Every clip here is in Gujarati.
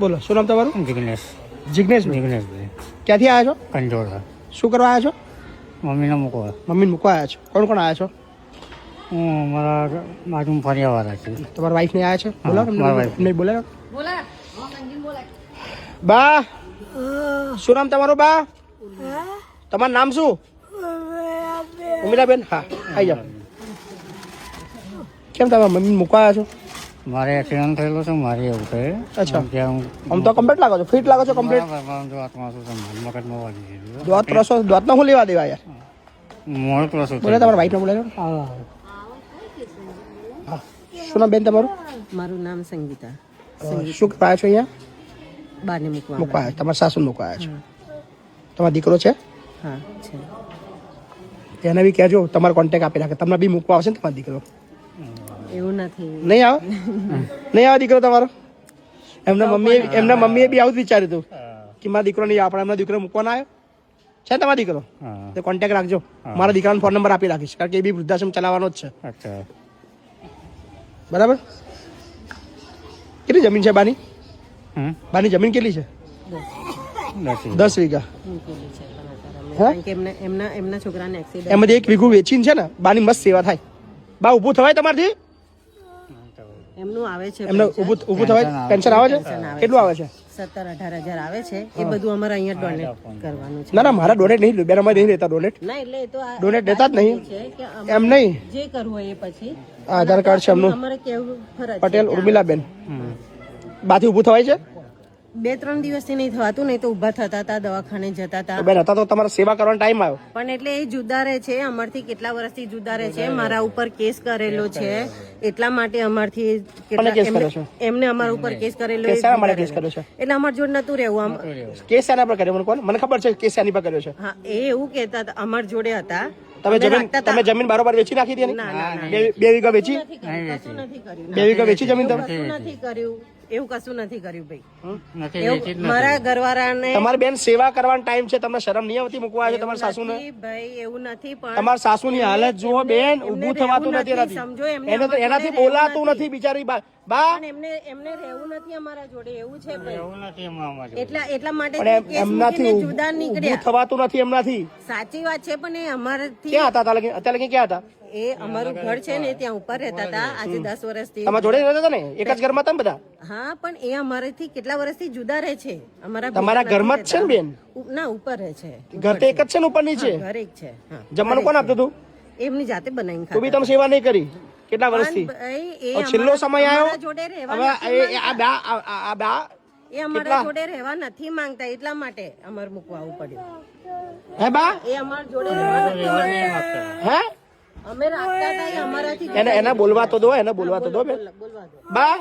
બોલો શું નામ તમારું? જિગ્નેશ. જિગ્નેશ જિગ્નેશભાઈ ક્યાંથી આવ્યા છો? કંજોળા. શું કરવા આવ્યા છો? મમ્મીને મૂકવા. મમ્મીને મૂકવા આવ્યા છો? કોણ કોણ આવ્યા છો? હું મારા બાજુમાં ફર્યાવાળા છે. તમારા વાઈફ ને આવ્યા છે? બોલો મારા wife. નહીં બોલે બા શું નામ તમારું બા? તમારું નામ શું? ઉમિલાબેન. હા આવી જાઓ. કેમ તમે મમ્મી મૂકવા આવ્યા છો? મારે એક્સિડન્ટ થયેલો છે મારે એવું છે. અચ્છા. ત્યાં આમ તો કમ્પ્લીટ લાગો છો, ફિટ લાગો છો કમ્પ્લીટ. હાથમાં શું છે મગજમાં વાગી ગયેલું. દોત પ્રસો દોતનો શું લેવા દેવા યાર? મોડ ક્રોસ બોલે તમારા વાઈફને બોલે છો. શું નામ બેન તમારું? મારું નામ સંગીતા. શું કરવા આવ્યા છો અહીંયા? બાને મૂકવા. મૂકવા આવ્યા તમારા સાસુ મૂકવા આવ્યા છો? તમારો દીકરો છે? હા છે. એને બી કહેજો તમારો કોન્ટેક્ટ આપી રાખે, તમને બી મૂકવા આવશે ને તમારો દીકરો. એવું નથી. નહીં આવે? નહીં આવે દીકરો તમારો? એમના મમ્મીએ બી આવું જ વિચાર્યું હતું કે મારા દીકરો નહીં આવે, પણ એમના દીકરો મૂકવાના આવ્યો છે તમારો દીકરો. તો કોન્ટેક્ટ રાખજો, મારા દીકરાનો ફોન નંબર આપી રાખીશ, કારણ કે એ બી વૃદ્ધાશ્રમ ચલાવવાનો જ છે. અચ્છા. બરાબર. કેટલી જમીન છે બાની? બાની જમીન કેટલી છે? 10 વીઘા. મૂકેલી છે પણ અત્યારે અમે. હે? કારણ કે એમના છોકરાને એક્સિડન્ટ. એમાંથી 1 વીઘું વેચીને છે ને બાની મસ્ત સેવા થાય. બા ઊભું થવાય તમારથી? એમનું આવે છે એમને ઊભું થવાય? પેન્શન આવે છે? કેટલું આવે છે? 17-18 હજાર આવે છે. એ બધું અમારે અહીંયા ડોનેટ કરવાનું છે. ના ના મારા ડોનેટ નહીં, બેન અમારે નહીં રહેતા ડોનેટ. ના એટલે એ તો આ ડોનેટ દેતા જ નહીં. છે કે એમ નહીં, જે કરવું હોય એ પછી આધાર કાર્ડ છે એમનું. અમારે કેવું ફરજ છે. પટેલ ઉર્મિલાબેન. બાથી ઊભું થવાય છે? 2-3 દિવસથી નહીં થવાતું, નહીં તો ઊભા થતા હતા, દવાખાને જતા હતા. તો બેન હતા તો તમારે સેવા કરવાનો ટાઈમ આવ્યો. પણ એટલે એ જુદા રહે છે, અમારથી કેટલા વર્ષથી જુદા રહે છે. મારા ઉપર કેસ કરેલો છે, એટલા માટે અમારથી કોને કેસ કર્યો છે? એમને અમારા ઉપર કેસ કરેલો. કેસ શાના માટે કેસ કર્યો છે? એટલે અમાર જોડે નતું રહેવું. કેસ શાના પર કર્યો મને કોણ? મને ખબર છે કેસ શાની પર કર્યો છે. હા એ એવું કહેતા હતા, અમાર જોડે હતા. તમે જમીન બારોબાર વેચી નાખી હતી એની? 2 વીઘા વેચી? કશું નથી કર્યું. 2 વીઘા વેચી જમીન તમે? કશું નથી કર્યું, એવું કશું નથી કર્યું ભાઈ. નથી એવું વેચી જ મારા ઘરવાળાને તમારી બેન સેવા કરવાનો ટાઈમ છે, તમને શરમ નહીં આવતી મૂકવા આવે છે તમારા સાસુને? નથી ભાઈ, એવું નથી. પણ તમારા સાસુની હાલત જુઓ બેન, ઊભું થવાતું નથી એનાથી. સમજો એમને એને તો એનાથી બોલાતું નથી બિચારી બા. પણ એમને રહેવું નથી અમારા જોડે, એવું છે ભાઈ. એવું નથી એમાં અમારે. એટલા માટે પણ કેસ એમનાથી મૂકીને જુદા ઊભું નીકળ્યા. થવાતું નથી એમનાથી. સાચી વાત છે, પણ એ અમારાથી ક્યાં હતા અત્યારે લગી ક્યાં હતા? એ અમારું ઘર છે ને ત્યાં ઉપર રહેતા હતા આજે 10 વર્ષથી. તમારા જોડે રહેતા હતા ને? એક જ ઘરમાં હતા ને બધા? હા પણ એ અમારાથી કેટલા વર્ષથી જુદા રહે છે. તમારા ઘરમાં જ છે ને બેન? ના ઉપર રહે છે. ઘર તો એક જ છે ને ઉપર નીચે? ઘર એક છે. હા જમવાનું કોણ આપતું હતું? એમની જાતે બનાવીને તું બી ખાતા. તમે સેવા નહીં કરી કેટલા વર્ષથી? એ છેલ્લો સમય અમારા આવ્યો જોડે રહેવા હવે નથી આ બા એ અમારા જોડે રહેવા નથી માંગતા, એટલા માટે અમારે મૂકવા આવવું પડ્યું. હે બા એ અમારા જોડે રહેવા નથી માંગતા. હે અમે રાખતા હતા, એ અમારાથી એને બોલવા તો દો, એને બોલવા તો દો બેન. બોલવા દો. બા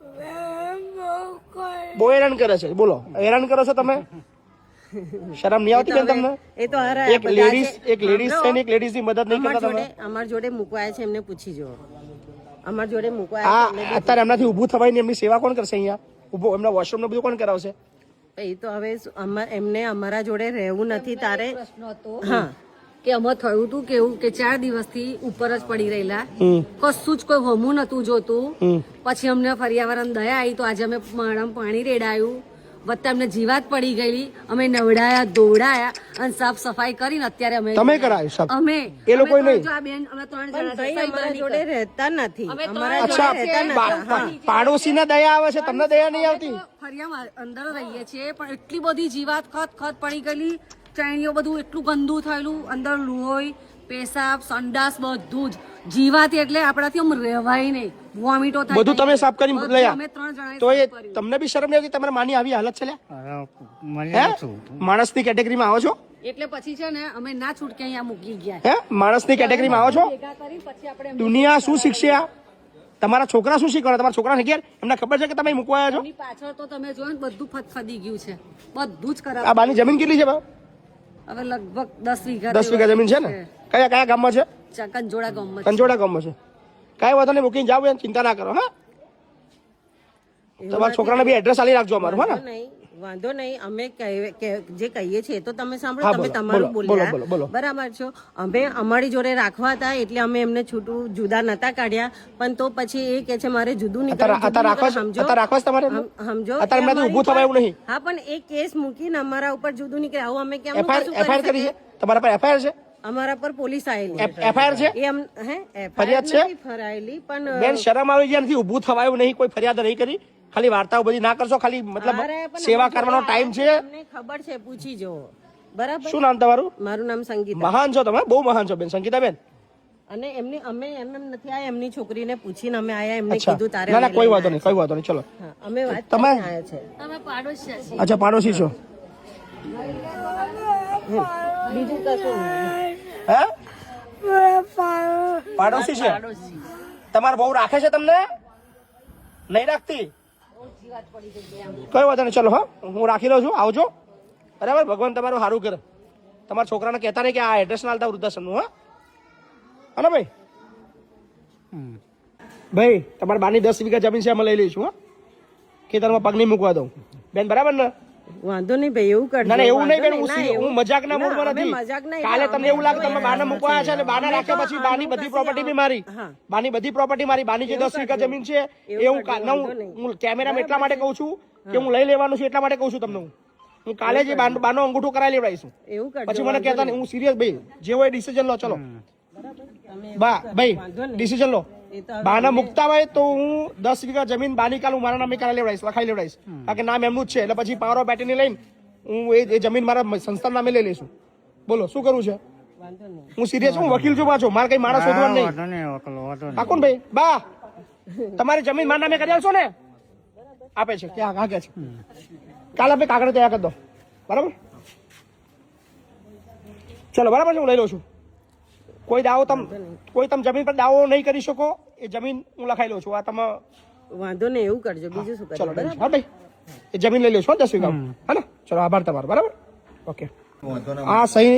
બહુ હેરાન કરે છે. બોલો હેરાન કરો છો તમે? શરમ નહીં આવતી બેન તમને? એ તો હારા એક લેડીઝ છે ને એક લેડીઝ ની મદદ નહીં કરતા તમે? અમારા જોડે મૂકવાયા છે, એમને પૂછી જો. અમારા જોડે આ મૂકવાયા છે અત્યારે એમનાથી ઊભું થવાય ને એમની સેવા કોણ કરશે અહીંયા? ઊભો એમના વોશરૂમ ને બધું કોણ કરાવશે? એ તો હવે એમને અમારા જોડે રહેવું નથી તારે. હા કે અમે થયું હતું કેવું કે 4 દિવસથી ઉપર જ પડી રહેલા, કશું જ કોઈ હોમું નતું જોતું. પછી અમને ફરિયાવાળાને દયા આવી તો આજે અમે માળામાં પાણી રેડાયું, વત્તા અમને જીવાત પડી ગયેલી. અમે નવડાયા, ધોવડાયા અને સાફ સફાઈ કરીને અત્યારે અમે તમે કરાયું સાહેબ? અમે એ લોકો નહીં? જો આ બેન અમે 3 જણા ભાઈ અમારા જોડે રહેતા નથી. અમે અમારા અચ્છા, જોડે રહેતા નથી. પાડોશી ને દયા આવે છે, તમને દયા નહીં આવતી? ફરિયામાં અંદર રહીએ છીએ પણ એટલી બધી જીવાત ખત પડી ગયેલી, ચાણીઓ બધું એટલું ગંદુ થયેલું, અંદર લોહી, પેશાબ, સંડાસ બધું જ જીવાત. એટલે આપણાથી આમ રહેવાય નહીં, વોમિટો થાય. બધું તમે સાફ કરી લઈ અમે 3 જણાએ તો એ સાફ કર્યું. તમને બી શરમ નહીં આવતી? તમારા માની આવી હાલત છે લ્યા? મને હે શું માણસની કેટેગરીમાં આવો છો? એટલે પછી છે ને અમે ના છૂટકે અહીંયા મૂકી ગયા. હે માણસની કેટેગરીમાં આવો છો? ભેગા કરી પછી આપણે દુનિયા શું શીખશે? આ તમારા છોકરા શું શીખવાડે? તમારા છોકરાને ઘેર એમને ખબર છે કે તમે મૂકવા આવ્યા છો? એની પાછળ તો તમે જોયો ને બધું ફદફદી ગયું છે, બધું જ ખરાબ. આ બાની જમીન કેટલી છે બા? હવે લગભગ 10 વીઘા 10 વીઘા જમીન છે ને? કયા કયા ગામમાં છે? કંજોડા ગામમાં. કંજોડા ગામમાં છે. કાંઈ વાંધો નહીં, મૂકીને જાવ, ચિંતા ના કરો. હા તમારા છોકરાને બી એડ્રેસ આલી રાખજો અમારું. હા ને? નહીં વાંધો નહીં, અમે જે કહીએ છીએ તો તમે હા, સાંભળો, તમે બોલો, તમારું બોલો, બોલ્યા, બોલો, બોલો. બરાબર છો. અમે અમારી જોડે રાખવા હતા એટલે અમે એમને છૂટું જુદા નતા કાઢ્યા, પણ તો પછી એ કે છે મારે જુદું અત્યારે રાખવા છે? સમજો, અત્યારે રાખવા છે તમારે? સમજો. અત્યારે એ મેં તો ઊભું થવાય એવું નહીં. હા, પણ એ કેસ મૂકીને અમારા ઉપર જુદું નીકળે, આવું અમે કેમ એફઆઈઆર કરી છે તમારા પર? એફઆઈઆર છે? અમારા પર પોલીસ આવેલી, એફઆઈઆર છે? એમ ફરિયાદ છે? ફરાયેલી, પણ બેન શરમ આવી ગયા નથી? ઊભું થવાયું નહીં, કોઈ ફરિયાદ નહીં કરી, ખાલી વાર્તાઓ બધી ના કરશો, ખાલી મતલબ સેવા કરવાનો ટાઈમ છે. તમને ખબર છે, પૂછી જો. બરાબર. શું નામ તમારું? મારું નામ સંગીતા. મહાન છો તમે, બહુ મહાન છો બેન, સંગીતા બેન. અને એમની અમે એમ નથી આયા, એમની છોકરીને પૂછીને અમે આયા, એમને અચ્છા, કીધું તારે ના ના અમે કોઈ લઈને વાંધો નહીં, કોઈ વાંધો નહીં, ચલો. હા, અમે વાત તમે? કરીને આયા છે. અમે પાડોશિયા છીએ. અચ્છા, પાડોશી છો? બીજું કશું નહીં. હે? પાડોશી છે? તમારા બહુ રાખે છે તમને? નહીં રાખતી? કઈ વાંધો નહીં, ચલો. હા, હું રાખી લઉં છું, આવજો. બરાબર, ભગવાન તમારું સારું કરે. તમારા છોકરાને કહેતા નહીં કે આ એડ્રેસ ના આલતા વૃદ્ધાશ્રમનું. હા, હા ભાઈ. ભાઈ, તમારી બાની 10 વીઘા જમીન છે, અમે લઈ લઈશું. હા, ખેતરમાં પગ નહીં મૂકવા દઉં બેન, બરાબર ને? વાંધો નહીં ભાઈ, એવું કરજો. ના ના, એવું નહીં બેન, વાંધો હું નહીં, હું મજાકના મૂડમાં અમે નથી. મજાક નહીં, કાલે અમે તમને એવું લાગે તમે બાને મૂકવા છે અને બાને રાખ્યા પછી બાની આનું બધી કશું પ્રોપર્ટી બી મારી. હા. બાની બધી પ્રોપર્ટી મારી. બાની જે 10 વીઘા જમીન છે એ હું હું કેમેરામાં એટલા માટે કહું છું કે હું લઈ લેવાનું છું, એટલા માટે કહું છું તમને. હું કાલે જે બાનો અંગૂઠો કરાવી લેવડાવીશું. એવું કરજો. પછી મને કહેતા નહીં, હું સિરિયસ ભાઈ, જે હોય ડિસિઝન લો. ચલો બા ભાઈ, ડિસિઝન લો. બાના મુકતા હોય તો હું 10 વીઘા જમીન બાની કાલ હું મારા નામે કરાવી લેવડાવીશ, લખાઈ લેવડાવીશ, કારણ કે નામ એમનું જ છે. એટલે પછી પાવર ઓફ એટર્ની લઈને હું એ જમીન મારા સંસ્થા નામે લઈ લઈશું. બોલો શું કરવું છે? વાંધો નહીં. હું સિરિયસ છું, હું વકીલ છું પાછો, મારે કઈ માણસ શોધવાનું નહીં. વાંધો નહીં, વકલો, વાંધો નહીં. પાકું ને ભાઈ? બા, તમારી જમીન મારા નામે કરી આવશો ને? આપે છે ક્યાં? હા, કે છે કાલે આપણે કાગળ તૈયાર કરી દો. બરાબર, ચલો. બરાબર છે, હું લઈ લઉં છું. કોઈ તમે જમીન પર દાવો નહીં કરી શકો, એ જમીન હું લખાઈ લઉં છું. આ તમે વાંધો નહીં, એવું કરજો. બીજું શું કરજો? ચલો હા ભાઈ, એ જમીન લઈ લો છો 10 વીઘા. હા ને? ચલો, આભાર તમારો. બરાબર, ઓકે. આ સહી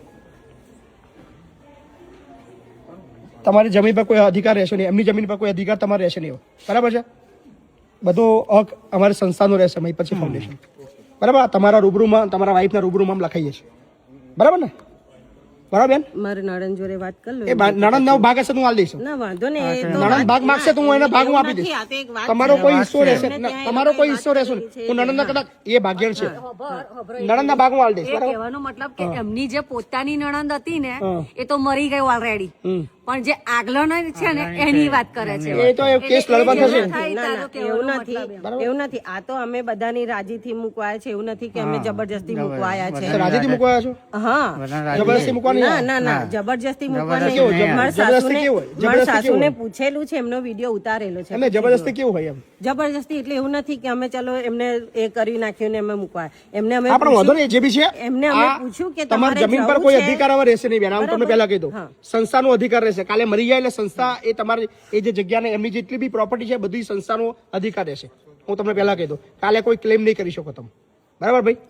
તમારી જમીન પર કોઈ અધિકાર રહેશે નહીં, એમની જમીન પર કોઈ અધિકાર તમારે રહેશે નહીં. બરાબર છે? બધો હક અમારી સંસ્થાનો રહેશે, પછી ફાઉન્ડેશન. બરાબર, તમારા રૂબરૂમાં, તમારા વાઈફના રૂબરૂમાં લખાઈએ છીએ. બરાબર ને? બરાબર બેન? મારે નણંદ જોડે વાત કરી લો. એ નણંદ નો ભાગ હશે તો હું આલી દઈશ. ના વાંધો નહીં, એ તો નણંદ ભાગ માંગશે તો હું એને ભાગ હું આપી દઈશ. આ તો એક વાત તમારો છે. કોઈ હિસ્સો રહેશે એમને ત્યાં તમારો કોઈ હિસ્સો વાત રહેશે કરી છે. હું નણંદ કદાચ એ ભાગ્યણ છે, નણંદ ભાગ હું આલી દઈશ. એ બરાબર? કહેવાનો મતલબ કે એમની જે પોતાની નણંદ હતી ને હા. એ તો મરી ગઈ ઓલરેડી, પણ જે આગલો છે ને એની વાત કરે છે. એ તો એ કેસ લડવા થશે. થાય ના, તારો ના, કહેવાનો એવું નથી, એવું નથી. આ તો અમે બધાની રાજીથી મૂકવાયા છે, એવું નથી કે અમે જબરજસ્તી મૂકવાયા છે. રાજીથી મૂકવા આવ્યા છો? હા, જબરદસ્તી મૂકવાની? ના ના ના, જબરજસ્તી મૂકવા નહીં. કેવું? મારા જબરદસ્તી કેવું હોય? મારા જબરદસ્તી સાસુને કેવું પૂછેલું છે, એમનો વિડીયો ઉતારેલો છે. એમને જબરદસ્તી કેવું હોય એમ? જબરજસ્તી એટલે એવું નથી કે અમે ચલો એમને એ કરી નાખ્યું ને અમે મૂકવા. એમને અમે આપણે વાંધો નહીં, જે બી છે એમને અમે આ પૂછ્યું કે તમારી તમારે જમીન પર જવું કોઈ છે? અધિકાર હવે રહેશે નહીં બેન. હું તમને પહેલા કહી દઉં, સંસ્થાનો અધિકાર રહેશે. કાલે મરી જાય એટલે સંસ્થા એ તમારી એ જે જગ્યાને એમની જેટલી બી પ્રોપર્ટી છે બધી સંસ્થાનો અધિકાર રહેશે. હું તમને પહેલા કહી દઉં, કાલે કોઈ ક્લેમ નહીં કરી શકો તમે. બરાબર ભાઈ?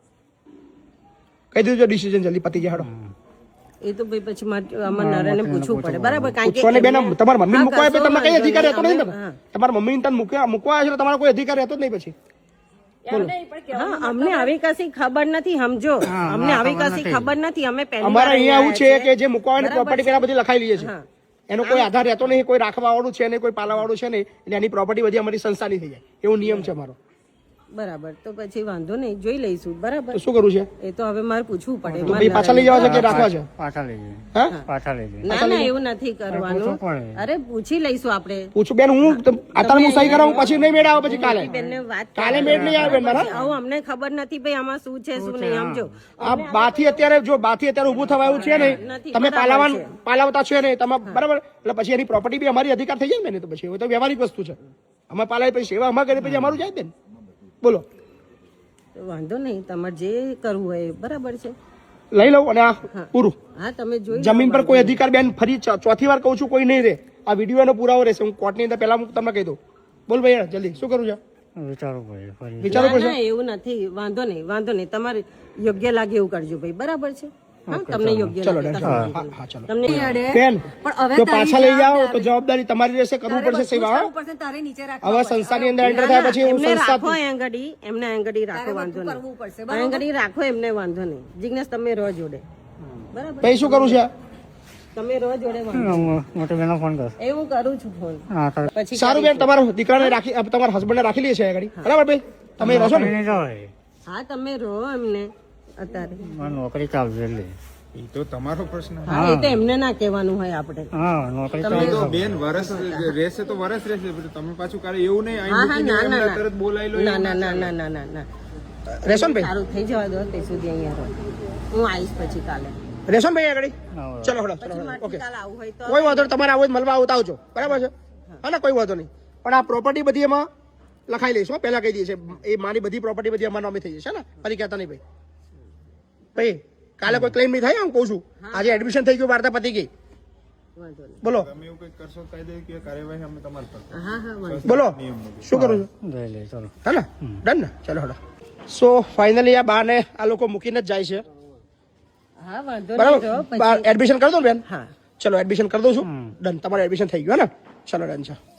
કહી દીધું ડિસિઝન જલ્દી પતી જાય. એ તો ભાઈ પછી અમારા નરેને પૂછવું પડે. બરાબર? કારણ પૂછવાને બેન, એમને- તમારા મમ્મી હા, મૂકવા કશો તમને કઈ વાંધો અધિકાર નહીં. રહેતો નહીં. અમે- હા. તમારા મમ્મી તને મૂકવા આવ્યા છે તમારો કોઈ અધિકાર રહેતો જ નહીં પછી. હા, અમને આવી કશી ખબર નથી, સમજો. અમને આવી કશી ખબર નથી. અમે પહેલી અમારે વાર અહીંયા એવું અહીંયા છે કે જે મૂકવાની પ્રોપર્ટી પેલા બધી લખાઈ લઈએ છે. હા. એનો કોઈ આધાર રહેતો નહીં, કોઈ રાખવા વાળું છે નહીં, કોઈ પાલવા વાળું છે નહીં, એટલે એની પ્રોપર્ટી બધી અમારી સંસ્થાની થઈ જાય, એવો નિયમ છે અમારો. બરાબર, તો પછી વાંધો નહીં, જોઈ લઈશું. બરાબર, તો શું કરવું છે? એ તો હવે મારે પૂછવું પડે. તો ભાઈ પાછા લઈ જવા છે કે રાખવા છે? પાછા લઈ જઈએ, હા, પાછા લઈ જઈએ. ના ના, એવું નથી કરવાનું. પૂછવું પડે. અરે પૂછી લઈશું આપણે. પૂછું બેન, હું અત્યારે હું સહી કરાવું પછી નહીં મેળ આવે પછી કાલે. બેનને વાત કાલે મેળ નહીં આવે બેન મારા. આવું અમને ખબર નથી ભાઈ આમાં શું છે શું નહીં, સમજો. આ બાથી અત્યારે ઊભું થવા એવું છે નહીં. નથી, તમે બરાબર છે. પાલાવતા છો નહીં તમે, બરાબર? એટલે પછી એની પ્રોપર્ટી બી અમારી અધિકાર થઈ જાય ને. તો પછી એ તો વ્યવહારિક વસ્તુ છે. અમે પાલાવી પછી સેવા અમારે કરી પછી અમારું જાય બેન. બોલો, તો વાંધો નહીં, તમારે જે કરવું હોય એ બરાબર છે. લઈ લઉં અને આ પૂરું. હા, તમે જોઈ લો. જમીન પર કોઈ અધિકાર બેન, ફરી ચોથી વાર કહું છું, કોઈ નહીં રહે. આ વિડીયો એનો પુરાવો રહેશે. હું કોર્ટની અંદર પહેલા તમને કહી દઉં. બોલ ભાઈ, જલ્દી શું કરું છે? વિચારવું પડે ફરી. વિચારો ના, ના, એવું નથી. વાંધો નહીં, વાંધો નહીં. તમારે યોગ્ય લાગે એવું કરજો ભાઈ. બરાબર છે? હા તમને યોગ્ય ચલો લાગે ડન. તમે હા હા ચલો તમને નહીં અડે. બેન પણ હવે જો તારી પાછા લઈ જાઓ તો જવાબદારી. જવાબદારી તમારી રહેશે, કરવું તારે પડશે બધું જ સેવા. કરવું પડશે, તારે નીચે રાખવા હવે પડશે. સંસ્થાની અંદર એન્ટર થાય પછી હું એમને રાખો સંસ્થા આંગળી, એમને આંગળી રાખો, તારે વાંધો બધું કરવું પડશે, નહીં બરાબર? આંગળી રાખો, એમને વાંધો નહીં. જિજ્ઞેશ તમે રહો જોડે, બરાબર? પછી શું કરું છે? તમે રહો જોડે, વાંધો મોટી બેનો ફોન કર નહીં. એ હું કરું છું ફોન હા તારે પછી સારું બેન, તમારા દીકરાને રાખી તમારા હસબન્ડને રાખી લઈએ છે આગળ, બરાબર ભાઈ? તમે રહો છો ને? નહીં જવાય હા તમે રહો એમને અત્યારે. મારે નોકરી ચાલશે એટલે એ તો તમારો પ્રશ્ન. હા એ તો એમને ના કહેવાનું હોય આપણે. હા નોકરી એ ચાલશે તો બેન વરસ રહેશે તો વરસ રહેશે, પણ તમે પાછું કાલે એવું નહીં હા અહીં હા મૂકીને ના ના એમને તરત બોલાવી લો. ના ના ના ના ના ના ના રહેશો ને ભાઈ? સારું થઈ જવા દો તે સુધી અહીંયા રહો. હું આવીશ પછી કાલે. રહેશો ને ભાઈ આગળ? હા. ચલો હડો પછી ઓકે. મારથી કાલે આવું હોય તો કોઈ વાંધો નહીં, તમારે આવો જ મળવા આવતા આવજો, બરાબર છે? હા ને, કોઈ વાંધો નહીં. પણ આ પ્રોપર્ટી બધી એમાં લખાઈ લઈશું, પહેલા કહી દઈએ છે. એ મારી બધી પ્રોપર્ટી બધી અમારા નામે થઈ જશે ને, ફરી કહેતા નહીં ભાઈ. ભાઈ કાલે કોઈ ક્લેમ નહીં થાય, હું કહું છું. આજે એડમિશન થઈ ગયું, વાર્તા પતી ગઈ. વાંધો નહીં. બોલો તમે એવું કંઈક કરશો કાયદે કાર્યવાહી અમે તમારી પર કરશું. હા હા વાંધો બોલો શું કરું છું? લઈ લે ચલો હે ને, ડન ને? ચલો હડો. સો ફાઇનલી આ બાને આ લોકો મૂકીને જ જાય છે, હા વાંધો નહીં. રહો બરાબર? પછી એડમિશન કરી દો ને બેન? હા ચલો એડમિશન કરી દઉં છું. ડન, તમારું એડમિશન થઈ ગયું હે ને? ચલો ડન છે.